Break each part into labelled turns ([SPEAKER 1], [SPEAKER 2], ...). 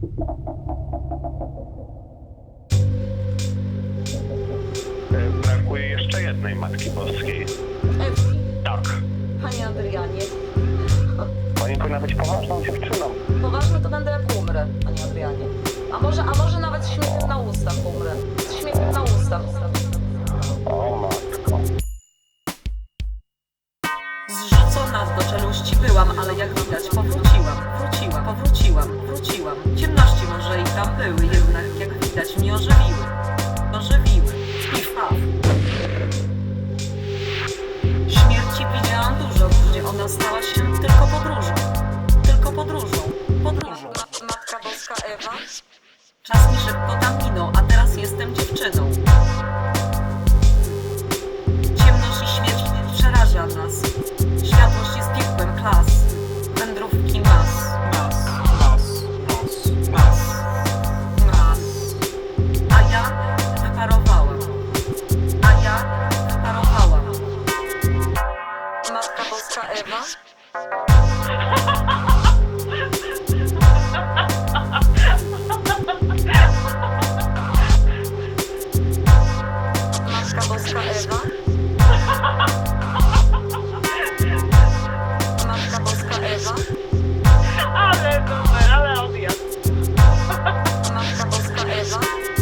[SPEAKER 1] Brakuje jeszcze jednej Matki Boskiej.
[SPEAKER 2] Ewki,
[SPEAKER 1] Tak.
[SPEAKER 2] panie Adrianie.
[SPEAKER 1] Pani powinna być poważną dziewczyną.
[SPEAKER 2] Poważnie to będę jak umrę, panie Adrianie. A może nawet z śmiechem na ustach umrę. Z śmiechem na ustach.
[SPEAKER 1] O matko.
[SPEAKER 3] Zrzucona do czeluści byłam, ale jak widać powróciłam. Ciemności może i tam były, jednak jak widać mnie ożywiły. Pif paf. Śmierci widziałam dużo, gdzie ona stała się tylko podróżą.
[SPEAKER 2] Matka Boska Ewa.
[SPEAKER 3] Czas mi szybko tam minął, a teraz jestem dziewczyną. Ciemność i śmierć przeraża nas. Światłość jest piekłem klas. Wędrówki mas. A ja wyparowałam.
[SPEAKER 2] Matka Boska Ewa. Matka Boska Ewa. Matka Boska Ewa.
[SPEAKER 4] Ale odjazd.
[SPEAKER 2] Matka Boska Ewa.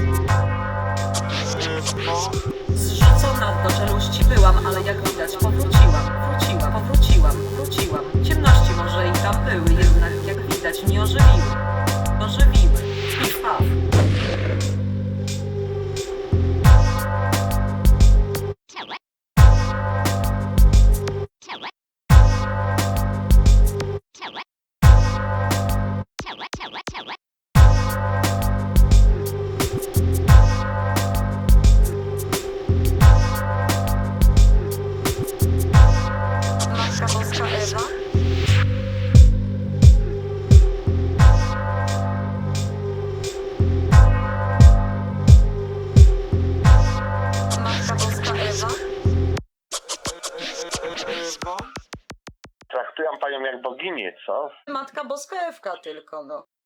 [SPEAKER 3] Zrzucona do czeluści byłam, ale jak widać powróciłam. Ciemności może i tam były, jednak jak widać mnie ożywiły. Pif paf.
[SPEAKER 2] Matka Boska Ewa. Matka Boska Ewa.
[SPEAKER 1] Traktują panią jak boginię, co?
[SPEAKER 2] Matka Boska Ewka tylko, no.